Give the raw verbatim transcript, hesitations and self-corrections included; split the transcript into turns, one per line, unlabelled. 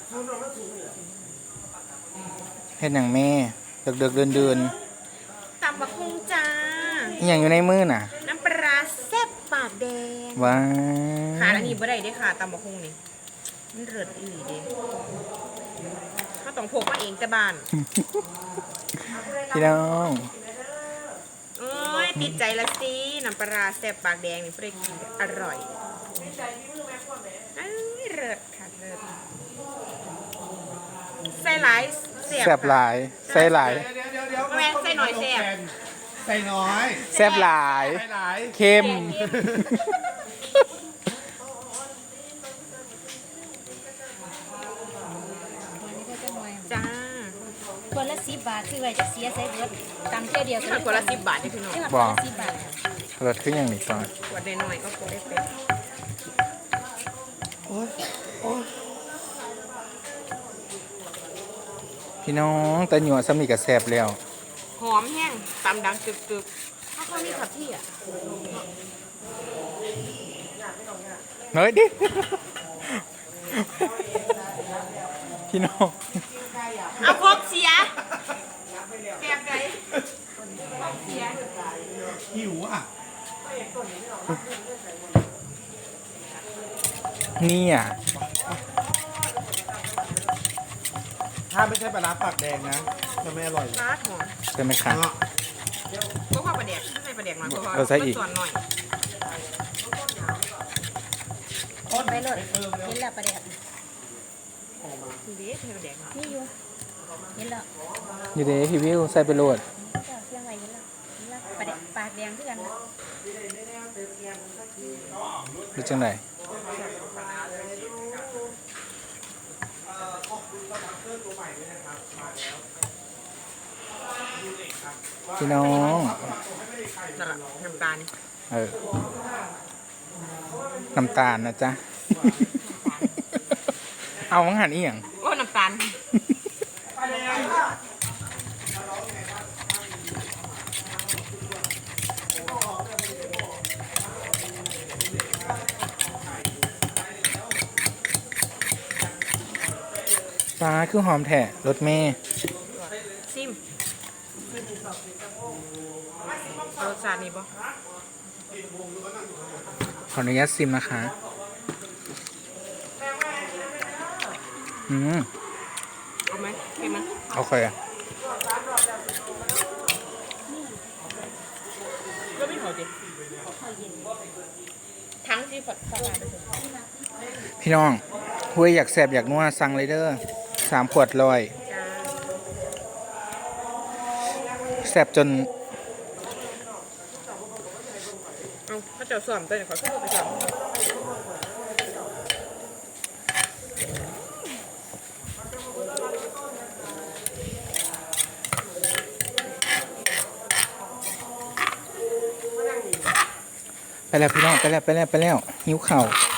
เฮ็ดหนังแม่เดือดเดือดเดินเดิน
ตำบักหุ่งจ้า
อย่างอยู่ในมือน่ะ
น้ำปลาแซ่บปากแดง
ว้า
ขาอันนี้บ่ได้ได้ค่ะตำบักหุ่งนี่มันเลิศอีหลีเด้เขาต้องพกมาเองแต่บ้าน
พี่น้อง
โอ้ยติดใจละสิน้ำปลาแซ่บปากแดงนี่เพื่อกินอร่อยเลิศค่ะเลิศใส่หลาย
แซ่บหลายใส่หลาย
แม่ใส่หน่อยแซ่บ
ใส่น้อย
แซ่บหลายเค็ม
จ้า
คนละสิบบาทคือไว้จะเสียใส่เบิดตำเที่ยวเดียว
คนละสิบบาทนี่พี่น้อง
บอกรสขึ้นอย่างนี้ก่อน
ขวดน้อยๆก็พอได้เป็น
พี่น้องตะหยวดสมิกับแซ่บแล้ว
หอมแห้งตำดังกึกๆถ้าเขามีขับที่อ่ะ
เฮ้ยดิพี่น้อง
เอาพกเสียแอบไหนพกเสีย
หิวอ่ะ
นี่อ่ะ
ถ้าไม่ใช่ปลาร้าปากแดงนะจะไม่อร่อย
ปลาหอม
ใช่ไหมคะ
ก็ข้าวปลาแดกใส่ปลาแดกหน่อยเพราะว่า
ใส่อีก
ส่วนหน่อย
ไปเลยเห็นแล้วประเดี๋ยว
ดีใส่ปลาแดก
นี่อยู่เห็นแล้ว
อยู่เด้พี่วิวใส่ไปโหลด
เจ้าเสียงอะไรเห็นแล้วเห็นแล้วประเดี๋ยวปากแดงด้วยกันนะ
ดูจังไหนพี่น้อง
น้ำตาล
เออน้ำตาลนะจ๊ะเอามังหันอีหยัง
โอ้น้ำตาล
ปลาคือหอมแท้รสเมย์
ซิมรสชาตินี่บ่
ขออนุญาตซิมนะคะอืม
เอาไหมเห็นไหม
โอเค
ก็ไม่หอมดิทั้งที่ผัดสลัด
พี่น้องคุยอยากแสบอยากนัวสั่งเลยเด้อสามขวดลอยแสบจน
เอาถ้าเจ้าส่อมตัวเนี่ยขอเข้าไปส่อม
ไปแล้วพี่น้องไปแล้วไปแล้วไปแล้วหิวเข่า